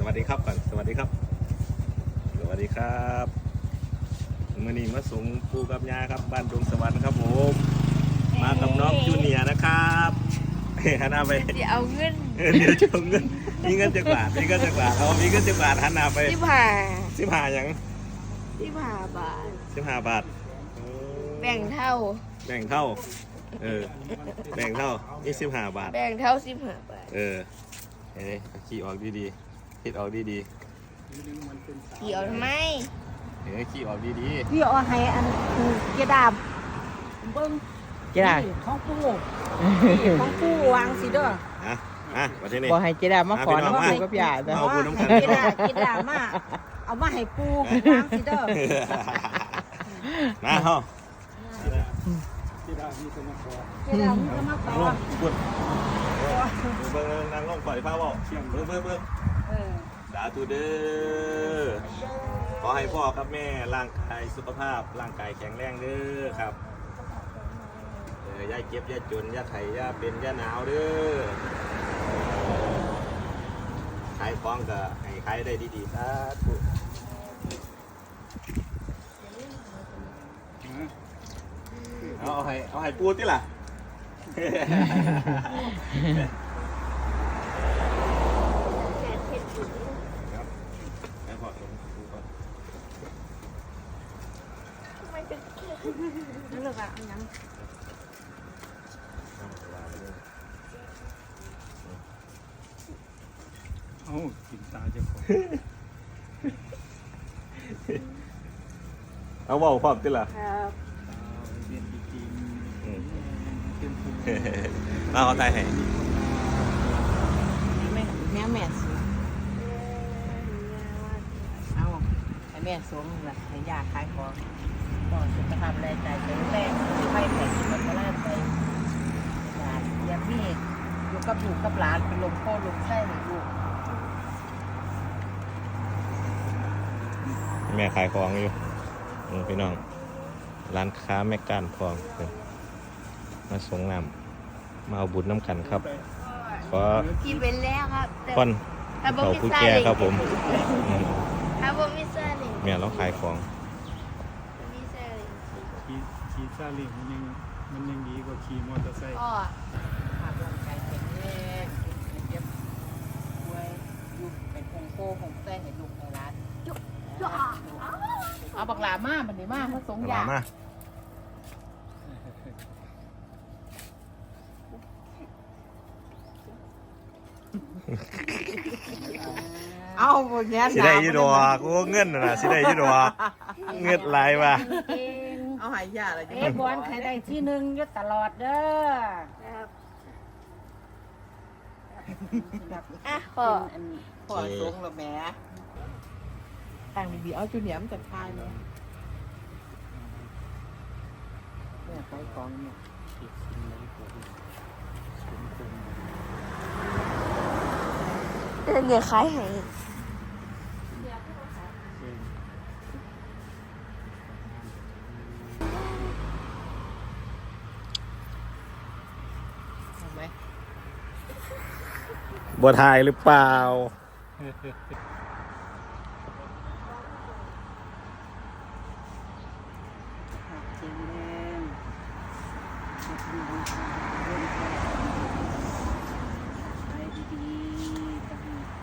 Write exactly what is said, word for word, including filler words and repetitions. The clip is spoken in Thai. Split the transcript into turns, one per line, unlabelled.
วัสดีครับก่อนสวัสดีครับสวัสดีครับมื่อนี้มาส่งปูกับยาครับบ้านดงสวรรค์ครับผมมากับน้องจูเนียร์นะครับหันหน้าไป
เดี๋ยวเอาเงิน
เดี๋ยวจะเอาเงินมีเงินจะบาทมีเงินจะบาทเอามีเงินจะบาทหันหน้าไป
สิบห้า
สิบห้าอย่าง
สิบห้าบาท
สิบห้าบาท
แบ่งเท่า
แบ่งเท่าเออแบ่งเท่านี่สิบห้าบาท
แบ่งเท่าสิบห้าบาท
เออเอ้ยขี่ออกดีๆคิดออกดี
ๆขี่ออกทำไม
เอ้ยขี่ออกดี
ๆพี่เอาให้อันเกดาบเบิ้ง
เกดา
ของปูของปูวางสิเด้อ
นะอ่ะมาที่นี่
บอกให้เกดามาขอน้ำปูกับยาจ้ะ
เอาปูน้ำกัน
เกดาเกดามาเอามาให้ปูวางสิเด้อ
นะเฮา
เกดามีจะมาขอเกดามีจะมาขอ
บุญเบิ่งนางลงปล่อยผ้าบ่เบิ่งเบิ่งเบิ่งสาธุเด้อขอให้พ่อกับแม่ร่างกายสุขภาพร่างกายแข็งแรงเด้อครับเออย่าเก็บย่าจนย่าไข่ย่าเป็นย่าหนาวเด้อขายของก็ให้ขายได้ดีๆสาธุเอาให้เอาให้ปูติล่ะ
นั่นแหละค่ะอันยัง
เอากินตาเจ้าของ
เอาเบาความติล่ะ
ครับ
เรียนจริง
มาเอาใจให้
แม่แม่แม่สเอาให้แม่สวมละให้ยาขายของก็สุขภาพแรงใจแข็งแรงที่ไม่แข็งมันก็แรงไปหลานยังมีอยู่กับลูกกับหลานเป็นลมโคลมไส้ให้ลูก
แม่ขายของอยู่พี่น้องร้านค้าแม่การทองมาส่งน้ำมาเอาบุญน้ำกันครับขอ
กินไปแล้วครับ
คนเขาผู้แก่ครับผม
ถ้าบ่มีซาเล้ง
แม่เราขายของ
มีซาเล้ง
ขี่ขี่ซาเล้งมันยังมันยังดีกว่าขี่มอเตอร์ไซค์
อ๋อ
ภาพร่างกายแข็งแรงเจ็บป่วยอยู่เป็นคงโคคงไส้ให้ลูกให้หลานจุ๊บจุ๊บเอาบักหลามาบันนี้มามาส่งยาเอาหมดเงี้ย
สิได้ยี่ดอกโอ้เงินน่ะสิได้ยี่ดอกเงินหลายว่ะ
เอาหายยาอะไร
เอ๊ะบอลใครได้ที่หนึ่งยึดตลอดเด้อ
อ่ะพ่อ
พ่อส่งแล้วแม่ต่างดีๆเอาจุดเหนียมจัดทายเลยเนี่ยไปกองเนี่ย
เดี๋ยวขายให้
บัวไทยหรือเปล่า